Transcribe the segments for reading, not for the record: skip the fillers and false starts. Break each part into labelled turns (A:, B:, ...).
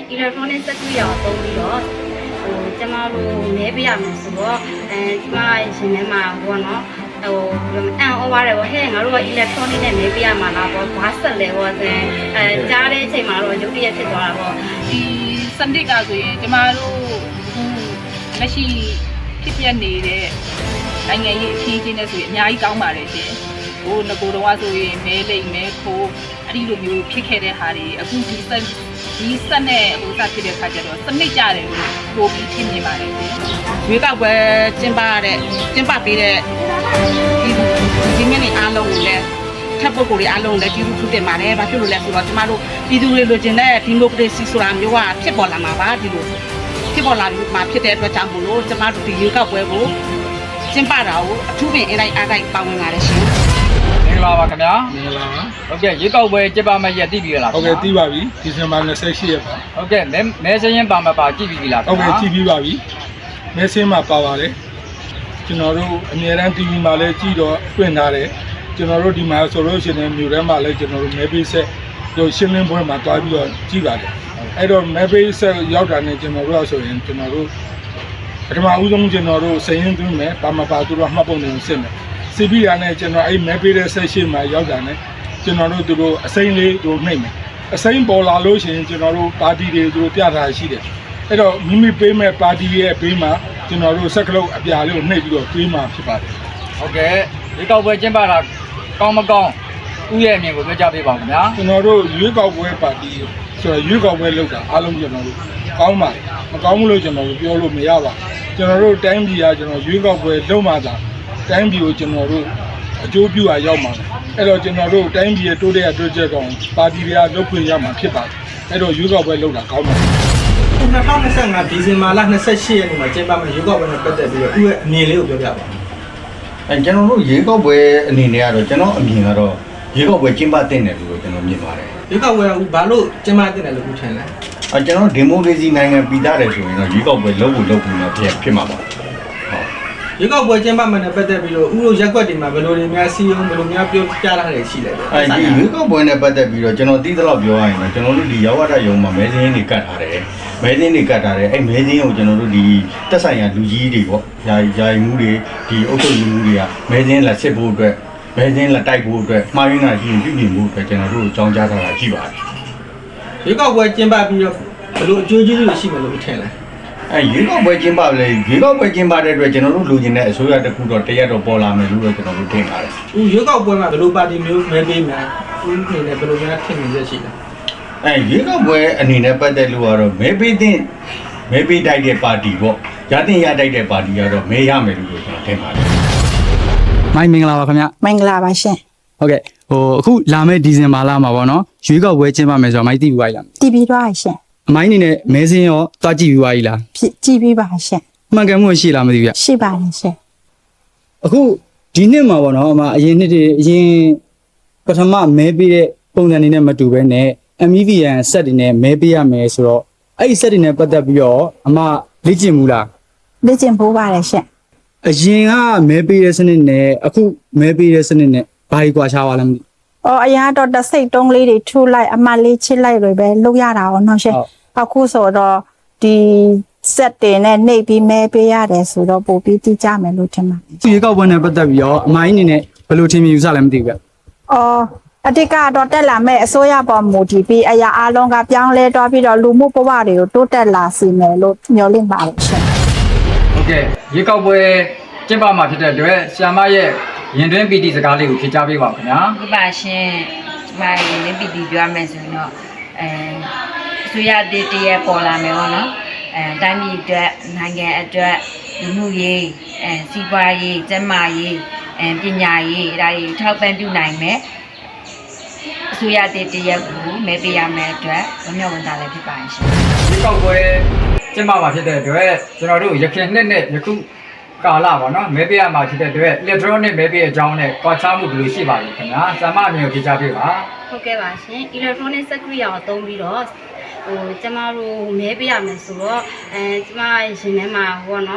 A: electronic စက်ကူရောသုံးပြီးတော့ကျမတို့မဲပေးရမယ်ဆိုတော့ကျမရှင်ထဲမှာဘောနော်အန်အော်ပါတယ်ဗောဟဲ့ငါတို့က electronic နဲ့မဲပေးရမှာလားဗောဘာဆက်လဲဗောကြားတဲ့အချိန်မှာတော့ရုပ်တရက်ဖြစ်သွားတာဗော
B: ဒီစနစ်ကဆိုရင်ကျမတို့လက်ရှိဖြစ်ပြနေတဲ့နိုင်ငံရေးအခင်းအကျင်းနဲ့ဆိုရင်အများကြီးကောင်းပါတယ်ရှင်ဟိုငကိုတော့ဆိုရင်မဲလိမ့်မဲခိုးအဲ့ဒီလိုမျိုးဖြစ်ခဲ့တဲ့ဟာတွေအခုဒီစက်နဲ့ဟိုစဖြစ်တဲ့ခါကျတော့စနစ်ကြတယ်လို့ပိုပြီးဖြစ်နေပါတယ်ရှင်ရွေးကောက်ပွဲကျင်းပပေးတဲ့ဒီနေ့နေ့အားလုံးကိုလည်းထပ်ပုဂ္ဂိုလ်တွေအားလုံးလည်းကျေးဇူးထူးတင်ပါတယ်။ဘာဖြစ်လို့လဲဆိုတော့ကျမတို့ပြည်သူတွေလိုချင်တဲ့ဒီမိုကရေစီဆိုတာမျိုးကဖြစ်ပေါ်လာမှာပါဒီလိုဖြစ်ပေါ်လာပြီးမှဖြစ်တဲ့အတွက်ကြောင့်မို့လို့ကျမတို့ဒီရွေးကောက်ပွဲကိုကျင်းပတာကိုအထူးပင်အတိုင်းအားတိုင်းပါဝင်လာတယ်ရှင်
C: ။မင်္ဂလာပါခင်ဗျာ
D: ။မင်္ဂလာပါ
C: ။ဟုတ်ကဲ့ရွေးကောက်ပွဲကျင်းပမယ့်ရက်သိပြီလား
D: ။ဟုတ်ကဲ့သိပါပြီ။ဒီဇင်ဘာ28ရက်ပါ
C: ။ဟုတ်ကဲ့မဲစရင်ပါမပါကြည့်ပြီလား
D: ခင်ဗျာ။ဟုတ်ကဲ့ကြည့်ပြီးပါပြီ။မဲစင်းမှာပါပါတယ်။ကျွန်တော်တို့အများရန် TV မှာလည်းကြည့်တော့တွင်ထားတယ်။ကျွန်တော်တို့ဒီမှာဆိုလို့ရှိရင်မြို့ထဲမှာလည်းကျွန်တော်တို့မဲပေးဆက်တို့ရှင်းလင်းပွဲမှာတွားပြီးတော့ကြည့်ပါတယ်။အဲ့တော့မဲပေးဆက်ရောက်တာနဲ့ကျွန်တော်တို့ဆိုရင်ကျွန်တော်တို့ပထမဦးဆုံးကျွန်တော်တို့စရင်သွင်းမယ်ပါမပါသူတို့မှတ်ပုံတွေကိုစစ်မယ်စစ်ပြီးရတဲ့ကျွန်တော်အဲ့မဲပေးတဲ့ဆက်ရှိမှာရောက်တာနဲ့ကျွန်တော်တို့သူတို့အစိမ်းလေးတို့နှိမ့်မယ်အစိမ်းပေါ်လာလို့ရှိရင်ကျွန်တော်တို့ပါတီတွေသူတို့ပြထားရှိတယ်အဲ့တော့မိမိပေးမဲ့ပါတီရဲ့ဘေးမှာကျွန်တော်တို့စက်ကလုံးအပြာလေးကိုနှိပ်ပြီးတော့တွေးမှာဖြစ်ပါတယ်
C: ဟုတ်ကဲ့ရွေးကောက်ပွဲကျင်းပတာကောင်းမကောင်းဥရဲ့အမြင်ကိုပြောကြပေးပါဦးခင်ဗျာ
D: ကျွန်တော်တို့ရွေးကောက်ပွဲပါတီဆိုတော့ရွေးကောက်ပွဲလုပ်တာအားလုံးကျွန်တော်တို့ကောင်းပါတယ်မကောင်းဘူးလို့ကျွန်တော်တို့ပြောလို့မရပါဘူးကျွန်တော်တို့တိုင်းပြည်ကကျွန်တော်ရွေးကောက်ပွဲလုပ်မှသာတိုင်းပြည်ကိုကျွန်တော်တို့အကျိုးပြုရရောက်မှာအဲ့တော့ကျွန်တော်တို့တိုင်းပြည်ရဲ့တိုးတက်အတွက်ချက်ကောင်ပါတီတွေကလုပ်ခွင့်ရမှာဖြစ်ပါတယ်အဲ့တော့ရွေးကောက်ပွဲလုပ်တာကောင်းပါတယ်
E: 2025ဒီဇင်ဘာလ28ရက်နေ့မှာကျင်းပမယ့်ရွေးကောက်ပွဲနဲ့ပတ်သက်ပြီးတော့သူ့ရဲ့အမြင်လေးကိုပြောပြပါဦး
F: ကျွန်တော်တို့ရေကောက်ပွဲအနေနဲ့ကတော့ကျွန်တော်အမြင်ကတော့ရေကောက်ပွဲကျင်းပတဲ့တယ်လို့ကျွန်တော်မြင်ပါတယ်
E: ရွေးကောက်ပွဲကဘာလို့ကျင်းပတဲ့တယ်လို့ခုထင်လဲ
F: ကျွန်တော်ဒီမိုကရေစီနိုင်ငံပြည်သားတယ်ဆိုရင်တော့ရေကောက်ပွဲလုပ်ဖို့လုပ်ပြီးမှဖြစ်မှာပါဟုတ်
E: ရွေးကောက်ပွဲကျင်းပမယ်နဲ့ပတ်သက်ပြီးတော့ဥရောရက်ကွက်တွေမှာဘယ်လိုတွေများစီးအောင်ဘယ်လိုများပြောပြလာတယ်ရှိလဲ
F: ဒီရေကောက်ပွဲနဲ့ပတ်သက်ပြီးတော့ကျွန်တော်သိသလောက်ပြောရရင်တော့ကျွန်တော်တို့ဒီရောက်ရတဲ့ရုံမှာမဲစင်းတွေကတ်ထားတယ်မဲစင်းတွေကတ်ထားတယ်အဲ့မဲစင်းကိုကျွန်တော်တို့ဒီတက်ဆိုင်ရာလူကြီးတွေပေါ့ယာယီမှုတွေဒီအုပ်ချုပ်ရေးမှုတွေကမဲစင်းလက်စစ်ဖို့အတွက်မဲစင်းလက်တိုက်ဖို့အတွက်မှားရင်းတာရှိရင်ပြုပြင်ဖို့အတွက်ကျွန်တော်တို့အကြောင်းကြားထားတာရှိပါတယ်
E: ရွေးကောက်ပွဲကျင်းပပြီးတော့ဘယ်လိုအကျိုးကျေးဇူးတွေရှိမယ်လို့ထင်လဲ
F: ရွေးကောက်ပွဲကျင်းပလေရွေးကောက်ပွဲကျင်းပတဲ့အတွက်ကျွန်တော်တို့လူချင်းတဲ့အစိုးရတစ်ခုတော့တရက်တော့ပေါ်လာမယ်လို့ကျွန်တော်တို့ထင်ပါတယ်
E: ။ရွေးကောက်ပွဲမှာဘယ်လိုပါတီမျိုးမဲပေးမယ်။ဦးနေနဲ့ဘယ်လိုများထင်နေရရှိလဲ
F: ရွေးကောက်ပွဲအနေနဲ့ပတ်သက်လို့ကတော့မဲပေးတိုက်တဲ့ပါတီပေါ့ရတဲ့တိုက်တဲ့ပါတီကတော့မဲရမယ်လို့ကျွန်တော်ထင်ပါတယ်
G: ။မိုင်းမင်္ဂလာပါခင်ဗျ
H: ။မင်္ဂလာပါရှင်
G: ။ဟုတ်ကဲ့အခုလာမယ့်ဒီဇင်ဘာလမှာပေါ့နော်ရွေးကောက်ပွဲကျင်းပမယ်ဆိုတော့မိုင်းသိပြီးပါလား
H: ။သိပြီးသွားရှင်
G: ။အမိုင်းအနေနဲ့မဲစင်းရောတွားကြည့်ပြီးသွားပြီလား
H: ကြည့်ပြီးပါရှင်
G: မှန်ကန်မှုရှိလားမသိဘူးဗျ
H: ရှိပါတယ်ရှင်
G: အခုဒီနှစ်မှာပေါ့နော်အရင်နှစ်တွေအရင်ပထမမဲပေးတဲ့ပုံစံတွေနဲ့မတူဘဲနဲ့ MEVN ဆက်တွေနဲ့မဲပေးရမယ်ဆိုတော့အဲ့ဒီဆက်တွေနဲ့ပတ်သက်ပြီးတော့အမလေ့ကျင့်မှုလား
H: လေ့ကျင့်ဖို့ပါတယ်ရှင်
G: အရင်ကမဲပေးတဲ့စနစ်နဲ့အခုမဲပေးတဲ့စနစ်နဲ့ဘာကြီးကွာခြားပါလဲမသိ
H: အရင်တော့တစိတ်တုံးလေးတွေထူလိုက်အမလေးချစ်လိုက်တွေပဲလုပ်ရတာပေါ့နော်ရှင်အခုဆိုတော့ဒီဆက်တင်နဲ့နှိပ်ပြီးမဲပေးရတယ်ဆိုတော့ပို့ပြီးတိကျမယ်လို့ထင်ပါတယ်
G: ဒီကောက်ပွဲနဲ့ပတ်သက်ပြီးတော့အမိုင်းအနေနဲ့ဘယ်လိုထင်မြင်ယူဆလဲမသိဘူးဗျ
H: အတိတ်ကတော့တက်လာမဲ့အစိုးရပေါ်မူတည်ပြီးအရာအလုံးကပြောင်းလဲသွားပြီးတော့လူမှုဘဝတွေကိုတိုးတက်လာစေမယ်လို့မျှော်လင့်ပါတယ်ရှင်
C: ဟုတ်ကဲ့ရေကောက်ပွဲကျင်းပမှာဖြစ်တဲ့အတွက်ဆရာမရဲ့ရင်တွင်းပီတီစကားလေးကိုဖြေကြားပေးပါခင်ဗျာ
A: ဟုတ်ပါရှင်ကျမရင်တွင်းပီတီပြောမယ်ဆိုရင်တော့အစိုးရတည်ရပေါ်လာမယ်ပေါ့နော်တိုင်းပြည်အတွက်နိုင်ငံအတွက်လူမှုရေးစီးပွားရေးကျန်းမာရေးပညာရေးဒါတွေထောက်ပံ့ပြုနိုင်မယ်အစိုးရတည်ရကိုမဲပေးရမယ်အတွက်ဝမျှဝန်တာလည်းဖြစ်ပါရှင်
C: ဒီကောက်ပွဲကျင်းပမှာဖြစ်တဲ့အတွက်ကျွန်တော်တို့ရခိုင်နှစ်နဲ့ယခုကာလပေါ့နော်မဲပေးရမှာဖြစ်တဲ့အတွက် electronic မဲပေးအကြောင်းနဲ့ကွာခြားမှုဘယ်လိုရှိပါလဲခင်ဗျာဆရာမအမြင်ကိုဖြေကြားပေးပါ
A: ဟုတ်ကဲ့ပါရှင် electronic စက်ကူရောသုံးပြီးတော့ကျမတို့မဲပေးရမယ်ဆိုတော့ကျမရှင်ထဲမှာဟောနော်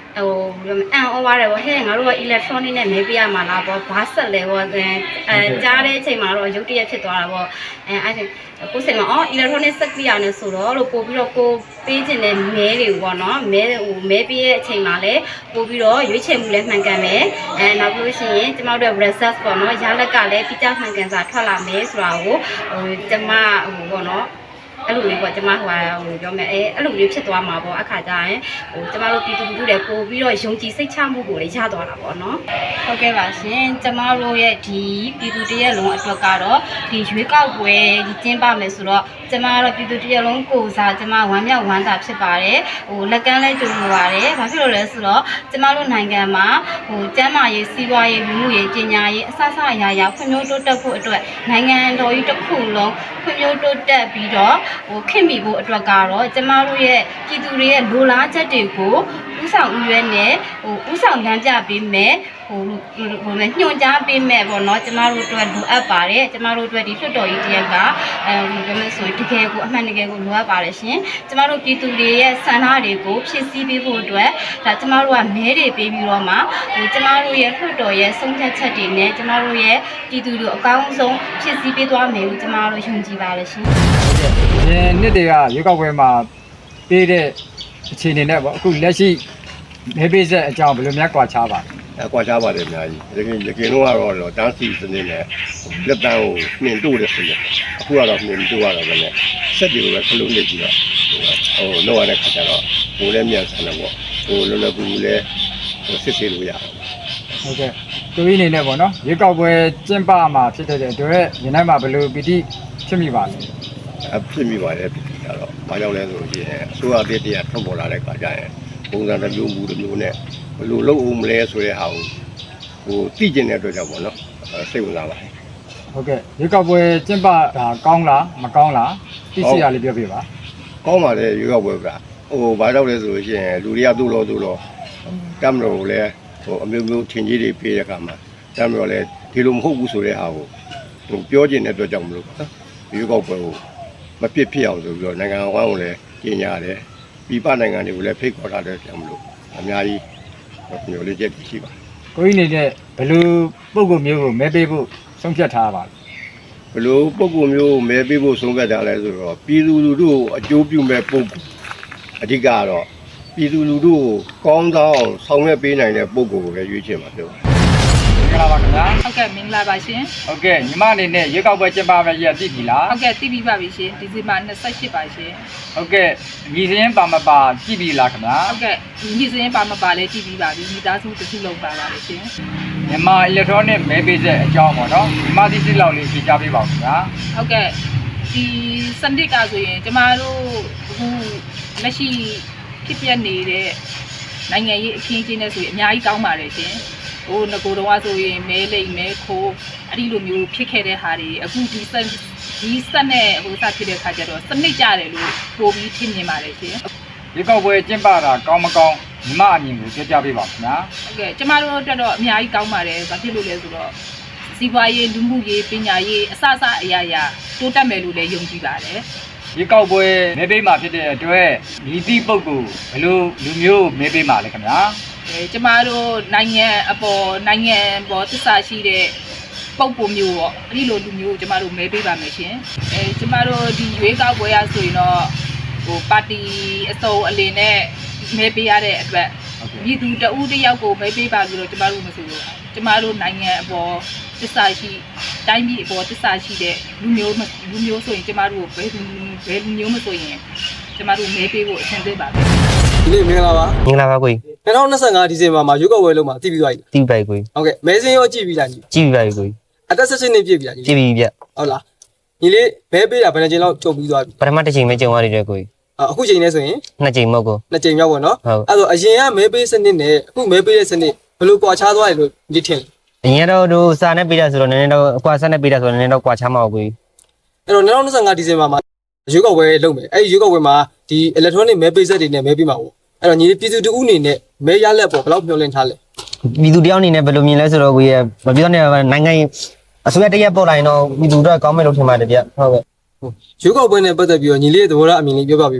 I: ဟိုအန်အော်ပါတယ်ဗောဟဲ့ငါတို့က electronic နဲ့မဲပေးရမှာလားဗောဘာဆက်လဲဗောကြားတဲ့အချိန်မှာတော့ရုတ်တရက်ဖြစ်သွားတာဗောအဲ့ဒါကိုစိတ်မှာအော် electronic ဆက်ပြရနေဆိုတော့လို့ပို့ပြီးတော့ကိုပေးခြင်းတဲ့မဲတွေဗောနော်မဲပေးရဲ့အချိန်မှာလည်းပို့ပြီးတော့ရွေးချယ်မှုလည်းမှန်ကန်မယ်နောက်ပြီးလို့ရှိရင်ကျမတို့ result ပေါ့နော်ရလက်ကလည်းပြကြမှန်ကန်စွာထွက်လာမယ်ဆိုတာကိုကျမဗောနော်အဲ့လိုမျိုးပေါ့ကျမပြောမယ်အဲ့လိုမျိုးဖြစ်သွားမှာပေါ့အခါကျရင်ကျမတို့ပြည်သူလူထုတွေပို့ပြီးတော့ယုံကြည်စိတ်ချမှုကိုလည်းရသွားတာပေါ့နော်ဟုတ်ကဲ့ပါရှင်ကျမတို့ရဲ့ဒီပြည်သူတရက်လုံးအတွက်ကတော့ဒီရွေးကောက်ပွဲကျင်းပမယ်ဆိုတော့ကျမတို့ပြည်သူတရက်လုံးကိုစားကျမဝမ်းမြောက်ဝမ်းသာဖြစ်ပါတယ်လက်ကမ်းလဲကြိုလိုပါတယ်ဘာဖြစ်လို့လဲဆိုတော့ကျမတို့နိုင်ငံမှာကျန်းမာရေးစီးပွားရေးလူမှုရေးပညာရေးအစအရာဖွံ့ဖြိုးတိုးတက်ဖို့အတွက်နိုင်ငံတော်ကြီးတစ်ခုလုံးဖွံ့ဖြိုးတိုးတက်ပြီးတော့ခင်မိဖို့အတွက်ကတော့ကျမတို့ရဲ့ပြည်သူတွေရဲ့လိုလားချက်တွေကိုဥဆောင်ဥရွက်နဲ့ဥဆောင်လမ်းပြပေးမယ်ညွှန်ကြားပေးမယ်ပေါ့နော်ကျမတို့အတွက်လိုအပ်ပါတယ်ကျမတို့အတွက်ဒီလွှတ်တော်ကြီးတရက်ကဘယ်လိုဆိုတကယ်ကိုအမှန်တကယ်ကိုလိုအပ်ပါတယ်ရှင်ကျမတို့ပြည်သူတွေရဲ့ဆန္ဒတွေကိုဖြည့်ဆည်းပေးဖို့အတွက်ဒါကျမတို့ကမဲတွေပေးပြီးတော့မှကျမတို့ရဲ့လွှတ်တော်ရဲ့ဆုံးဖြတ်ချက်တွေနဲ့ကျမတို့ရဲ့ပြည်သူတို့အကောင်းဆုံးဖြည့်ဆည်းပေးသွားမယ်လို့ကျမတို့ယုံကြည်ပါတယ်ရှင်
C: ဒီနှစ်တွေကရွေးကောက်ပွဲမှာပေးတဲ့အခြေအနေနဲ့ပေါ့အခုလက်ရှိမဲပေးဆက်အကြောင်းဘယ်လိုများကွာခြားပါလဲ
J: ကွာခြားပါတယ်အများကြီးရခင်တော့ကတော့တန်းစီစနစ်နဲ့လက်တန်းကိုနှင်တို့တယ်ဆိုရင်အခုကတော့နှင်တို့ရတော့ပဲနဲ့ဆက်ပြီးတော့ခလုံးနေပြီးတော့လောက်ရတဲ့ခါကျတော့ဘိုးလည်းမြန်ဆန်တယ်ပေါ့လောလောကူလည်းစစ်ဆေးလို့ရတယ်
C: ဟုတ်ကဲ့သူရင်းနေနဲ့ပေါ့နော်ရွေးကောက်ပွဲကျင်းပမှာဖြစ်တဲ့အတွက်ညီနိုင်မှာဘယ်လိုပီတိဖြစ်မိပါလဲ
J: ဖြစ်မိပါတယ်ပီတိကတော့ဘာကြောင့်လဲဆိုလို့ရှိရင်အစိုးရတည်းတရားထွန်းပေါ်လာတဲ့ခါကျရင်ပုံစံတစ်မျိုးမူတစ်မျိုးနဲ့ဘယ်လိုလုပ်အောင်မလဲဆိုတဲ့ဟာကိုသိကျင်တဲ့အတွက်ကြောင့်ပေါ့နော်စိတ်ဝင်စားပါတယ်
C: ဟုတ်ကဲ့ရွေးကောက်ပွဲကျင်းပတာကောင်းလားမကောင်းလားသိစီရလေးပြောပြပါ
J: ကောင်းပါတယ်ရွေးကောက်ပွဲကဘာကြောင့်လဲဆိုလို့ရှိရင်လူတွေကသူ့လို့တမ်းလို့လည်းအမျိုးမျိုးထင်ကြီးတွေပေးတဲ့အခါမှာတမ်းလို့လည်းဒီလိုမဟုတ်ဘူးဆိုတဲ့ဟာကိုပြောကျင်တဲ့အတွက်ကြောင့်မလို့ရွေးကောက်ပွဲကိုမပြစ်ဖြစ်အောင်ဆိုပြီးတော့နိုင်ငံအဝန်းကိုလည်းကြီးညာတယ်ပြည်ပနိုင်ငံတွေကိုလည်းဖိတ်ခေါ်ထားတဲ့ကြောင့်မလို့အများကြီးမျိုးလေးချက်ရှိပါ
C: ကိုကြီးနေတဲ့ဘယ်လိုပုံကုမျိုးကိုမဲပေးဖို့ဆုံးဖြတ်ထားပါလဲ
J: ဘယ်လိုပုံကုမျိုးကိုမဲပေးဖို့ဆုံးဖြတ်ထားလဲဆိုတော့ပြည်သူလူထုကိုအကျိုးပြုမဲ့ပုံကုအဓိကကတော့ပြည်သူလူထုကိုကောင်းကောင်းဆောင်ရွက်ပေးနိုင်တဲ့ပုံကုကိုပဲရွေးချယ်မှာပြော
C: မင်္ဂလာပါခင်ဗျာ
B: ဟုတ်ကဲ့မင်္ဂလာပါရှင်
C: ဟုတ်ကဲ့ညီမအနေနဲ့ရွေးကောက်ပွဲကျင်းပမယ့်ရက်သိပြီလား
B: ဟုတ်ကဲ့သိပြီပါပြီရှင်ဒီဇင်ဘာ28ပါရှင်
C: ဟုတ်ကဲ့ညီစင်းပါမပါကြည့်ပြီလားခင်ဗျာ
B: ဟုတ်ကဲ့ညီစင်းပါမပါလဲကြည့်ပြီးပါပြီမိသားစုတစ်ခုလုံးပါပါတယ်ရှင်
C: မြန်မာ electronic မဲပေးချက်အကြောင်းပေါ့နော်ညီမသိစိလောက်လေးရှင်းပြပေးပါဦးခင်ဗျာ
B: ဟုတ်ကဲ့ဒီစနစ်ကဆိုရင်ကျမတို့အခုလက်ရှိဖြစ်ပျက်နေတဲ့နိုင်ငံရေးအခင်းအကျင်းနဲ့ဆိုရင်အများကြီးကောင်းပါတယ်ရှင်ငကိုတော့ဆိုရင်မဲလိမ်မဲခိုးအဲ့ဒီလိုမျိုးဖြစ်ခဲ့တဲ့ဟာတွေအခုဒီစက်နဲ့စဖြစ်တဲ့ခါကျတော့စနစ်ကြတယ်လို့ပို့ပြီးထင်မြင်ပါတယ်ရှင်
C: ဒီကောက်ပွဲကျင်းပတာကောင်းမကောင်းညီမအမြင်ကိုပြောပြပေးပါခင်ဗျာ
B: ဟုတ်ကဲ့ကျမတို့အတွက်တော့အများကြီးကောင်းပါတယ်ဘာဖြစ်လို့လဲဆိုတော့စီးပွားရေးလူမှုရေးပညာရေးအစအရာတိုးတက်မယ်လို့လည်းယုံကြည်ပါတယ်
C: ဒီကောက်ပွဲမဲပေးမှာဖြစ်တဲ့အတွက်ဒီတိပုဂ္ဂိုလ်ဘယ်လိုလူမျိုးမဲပေးမှာလဲခင်ဗျာ
B: ကျမတို့နိုင်ငံပေါ်သစ္စာရှိတဲ့ပုံပုံမျိုးပေါ့အဲ့ဒီလိုလူမျိုးကိုကျမတို့မဲပေးပါမယ်ရှင်ကျမတို့ဒီရွေးကောက်ပွဲရဆိုရင်တော့ပါတီအစုံအလင်နဲ့မဲပေးရတဲ့အတွက်ပြည်သူတဦးတယောက်ကိုမဲပေးပါလို့တော့ကျမတို့မဆိုလို့ကျမတို့နိုင်ငံအပေါ်သစ္စာရှိတိုင်းပြည်အပေါ်သစ္စာရှိတဲ့လူမျိုးဆိုရင်ကျမတို့ဘယ်လူမျိုးမဆိုရင်ကျမတို့မဲပေးဖို့အဆင်သင့်ပါပဲ
E: ဒီနေ့မင်္ဂလာပါ
K: မင်္ဂလာပါကို
E: 2025ဒီဇင်ဘာမှာရွေးကောက်ပွဲလုံးမှာတည်ပြီးသွားပြီ
K: တည်ပါပြီကို
E: ဟုတ်ကဲ့မဲစင်းရောကြည့်ပြီးလား
K: ကြည့်ပြီးပါပြီကို
E: အသက်16နှစ်ပြည့်ပြီလား
K: ကြည့်ပြီးပြ
E: ဟုတ်လားညီလေးမဲပေးတာဘယ်နှချိန်လောက်ကြုံပြီးသွားပြီ
K: ပထမတစ်ချိန်မဲကြုံရတဲ့ကို
E: အခုချိန်နဲ့ဆိုရင်
K: နှစ်ချိန်မဟုတ်ကို
E: နှစ်ချိန်ရောက်ပေါ့နော်အဲ့တော့အရင်ကမဲပေးစနစ်နဲ့အခုမဲပေးတဲ့စနစ်ဘယ်လိုကွာခြားသွားတယ်လို့ဒီထင်
K: အရင်တော့စာနဲ့ပေးတာဆိုတော့နည်းနည်းတော့အကွာစာနဲ့ပေးတာဆိုတော့နည်းနည်းတော့ကွာခြားမှာကို
E: အဲ့တော့2025ဒီဇင်ဘာမှာရွေးကောက်ပွဲလုပ်မယ်အဲ့ဒီရွေးကောက်ပွဲမှာဒီ electronic မဲပေးဆက်တွေနဲ့မဲပေးမှာပေါ့အဲ့တော့ညီလေးပြည်သူတူအနေနဲ့မဲရလက်ပေါ့ဘယ်လောက်မျှော်လင့်ထားလဲ
K: ပြည်သူတယောက်အနေနဲ့ဘယ်လိုမြင်လဲဆိုတော့ကိုရဲ့မပြောနဲ့နိုင်ငံအစိုးရတရက်ပေါ်လာရင်တော့ပြည်သူတို့ကောင်းမယ်လို့ထင်ပါတယ်ဗျဟုတ်ကဲ့
E: ရွေးကောက်ပွဲနဲ့ပတ်သက်ပြီးတော့ညီလေးရဲ့သဘောထားအမြင်လေးပြောပြပေးပါ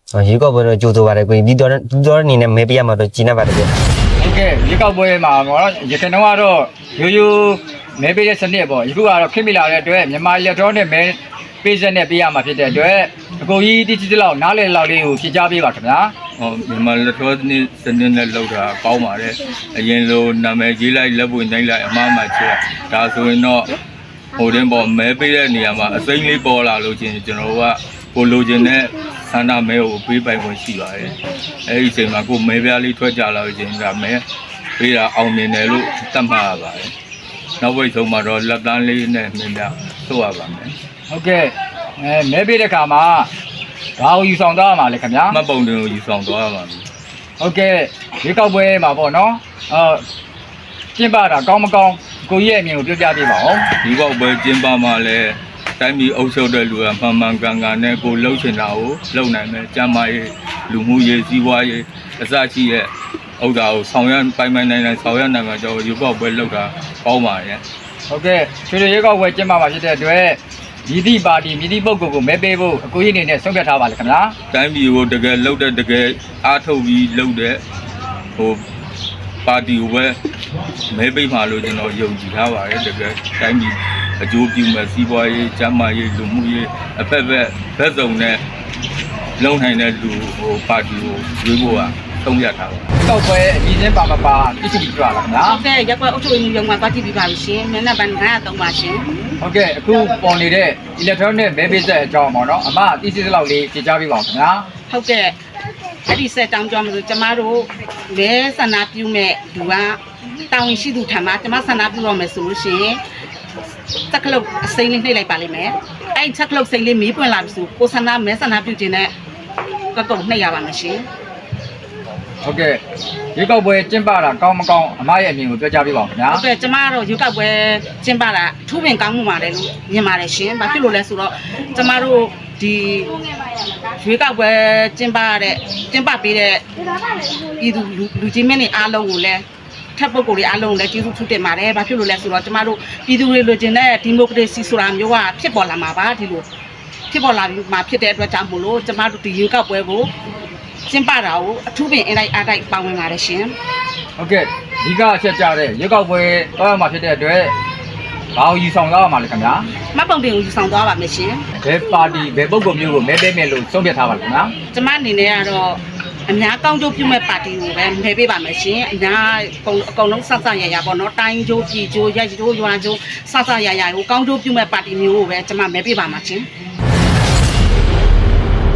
K: ရေကောက်ပွဲတော့ကြိုးဆိုပါတယ်ကိုကြီးပြီးတော့အနေနဲ့မဲပေးရမှာတော့ကျင်းနေပါတယ်ဗျာ
C: ဟုတ်ကဲ့ရေကောက်ပွဲမှာပေါ့ရခိုင်တော့ကတော့ရိုးရိုးမဲပေးတဲ့စနစ်ပေါ့ယခုကတော့ခင်မိလာတဲ့အတွက်မြန်မာလက်တော်နဲ့မဲပေးစက်နဲ့ပေးရမှာဖြစ်တဲ့အတွက်အကိုကြီးတိတိလောက်နားလည်လောက်လေးကိုဖြေချပေးပါခင်ဗျာ
L: ဟောမြန်မာလက်ထောစနစ်နဲ့လောက်တာကောင်းပါတယ်အရင်လိုနာမည်ကြီးလိုက်လက်ပွင့်နိုင်လိုက်အမှားမှချက်ဒါဆိုရင်တော့ဟိုတင်းပေါ်မဲပေးတဲ့နေရာမှာအစိမ့်လေးပေါ်လာလို့ချင်းကျွန်တော်တို့ကကိုလိုချင်တဲ့ဆန္ဒမဲကိုပေးပိုင်ခွင့်ရှိပါတယ်အဲဒီအချိန်မှာကိုမဲပြားလေးထွက်ကြလာလို့ချင်းဒါမဲပေးတာအောင်မြင်တယ်လို့သတ်မှတ်ရပါတယ်နောက်ဝိတ်ဆုံးမှာတော့လက်တန်းလေးနဲ့မြင်ပြဆိုရပါမယ်
C: ဟုတ်ကဲ့မဲပေးတဲ့ခါမှာဘာကိုယူဆောင်သွားရမှာလဲခင်ဗျာ
L: မှတ်ပုံတင်ကိုယူဆောင်သွားရပါမယ်
C: ဟုတ်ကဲ့ရေကောက်ပွဲမှာပေါ့နော်ကျင်းပတာကောင်းမကောင်းကိုကြီးရဲ့အမြင်ကိုပြောပြပေးပါဦး
L: ဒီဘောက်ပွဲကျင်းပမှာလဲတိုင်းပြည်အုပ်ချုပ်တဲ့လူကမှန်မှန်ကန်ကန်နဲ့ကိုလှုပ်ချင်တာကိုလှုပ်နိုင်မယ်ကျမ်းမာရေးလူမှုရေးစီးပွားရေးအစရှိရဲ့ဥစ္စာကိုဆောင်ရွက်ပိုင်နိုင်ဆောင်ရွက်နိုင်မှာကျွန်တော်ဒီဘောက်ပွဲလှုပ်တာကောင်းပါရဲ့
C: ဟုတ်ကဲ့ရွှေရေကောက်ပွဲကျင်းပမှာဖြစ်တဲ့အတွက်မြည်သည့်ပါတီမြည်သည့်ပုဂ္ဂိုလ်ကိုမဲပေးဖို့အကိုကြီးအနေနဲ့ဆုံးဖြတ်ထားပါလေခင်ဗျာ
L: တိုင်းပြည်ကိုတကယ်လှုပ်တဲ့တကယ်အားထုတ်ပြီးလှုပ်တဲ့ဟိုပါတီကိုပဲမဲပေးမှလို့ကျွန်တော်ယုံကြည်ထားပါတယ်တကယ်တိုင်းပြည်အကျိုးပြုမဲ့စီးပွားရေးကျန်းမာရေးလူမှုရေးအဖက်ဖက်ဘက်စုံနဲ့လုံနိုင်တဲ့လူဟိုပါတီကိုရွေးဖို့ကသုံးရထားပါ
C: ကောက်ပွဲအကြီးချင်းပါမပါတိတိကျကျပါခင်ဗျာ
B: ဟုတ်ကဲ့ရက်ကွက်အုပ်ချုပ်ရေးရုံမှာသွားကြည့်ပြီးပါပြီရှင်မျက်နှာပန်း903ပါရှင်
C: ဟုတ်ကဲ့အခုပေါ်နေတဲ့ electronic မဲပေးဆက်အကြောင်းပေါ့နော်အမအတိအကျလောက်လေးဖြေချပေးပါဦးခင်ဗျာ
B: ဟုတ်ကဲ့အဲ့ဒီဆက်တောင်းကြောင်းမလို့ကျမတို့လဲဆန္ဒပြုမဲ့လူကတာဝန်ရှိသူထံမှာကျမဆန္ဒပြုတော့မယ်ဆိုလို့ရှိရင်တက်ကလုတ်အစိမ့်လေးနှိပ်လိုက်ပါလိမ့်မယ်အဲ့တက်ကလုတ်စိမ့်လေးမီးပွင့်လာပြီဆိုကိုဆန္ဒမဲဆန္ဒပြုခြင်းနဲ့တော့နှိပ်ရပါမယ်ရှင်
C: ဟုတ်ကဲ့ရေကောက်ပွဲကျင်းပတာကောင်းမကောင်းအမရဲ့အမြင်ကိုပြောကြားပေးပါဦးခင်ဗျာ
B: ဟုတ်ကဲ့ကျမတို့ရွေးကောက်ပွဲကျင်းပတာထူးပင်ကောင်းမှုပါတယ်လို့မြင်ပါတယ်ရှင်။ဘာဖြစ်လို့လဲဆိုတော့ကျမတို့ဒီရွေးကောက်ပွဲကျင်းပပေးတဲ့ပြည်သူလူကြီးမင်းတွေအားလုံးကိုလည်းထပ်ပုဂ္ဂိုလ်တွေအားလုံးကိုလည်းကျေးဇူးထူးတင်ပါတယ်။ဘာဖြစ်လို့လဲဆိုတော့ကျမတို့ပြည်သူတွေလိုချင်တဲ့ဒီမိုကရေစီဆိုတာမျိုးကဖြစ်ပေါ်လာမှာပါဒီလိုဖြစ်ပေါ်လာပြီးမှဖြစ်တဲ့အတွက်ကြောင့်မို့လို့ကျမတို့ဒီရွေးကောက်ပွဲကိုကျင်းပတာကိုအထူးပင်အလိုက်အားတိုက်ပါဝင်ပါတယ်ရှင်။
C: ဟုတ်ကဲ့ဒီကအချက်ကြတဲ့ရေကောက်ပွဲတော့ရမှာဖြစ်တဲ့အတွက်ဘာကိုယူဆောင်သွားရမှာလဲခင်ဗျာ
B: မှတ်ပုံတင်ကိုယူဆောင်သွားပါမယ်ရှင်
C: ဘယ်ပါတီဘယ်ပုဂ္ဂိုလ်မျိုးကိုမဲပေးမယ်လို့ဆုံးဖြတ်ထားပါလဲခင်ဗျာ
B: ။ကျမအနေနဲ့ကတော့အများကောင်းကျိုးပြုမဲ့ပါတီကိုပဲမဲပေးပါမယ်ရှင်။အများအကုန်လုံးဆက်ဆက်ရရပေါ့နော်။တိုင်းကျိုးပြည်ကျိုးရက်ကျိုးရွာကျိုးဆက်ဆက်ရရကိုကောင်းကျိုးပြုမဲ့ပါတီမျိုးကိုပဲကျမမဲပေးပါမှာရှင်။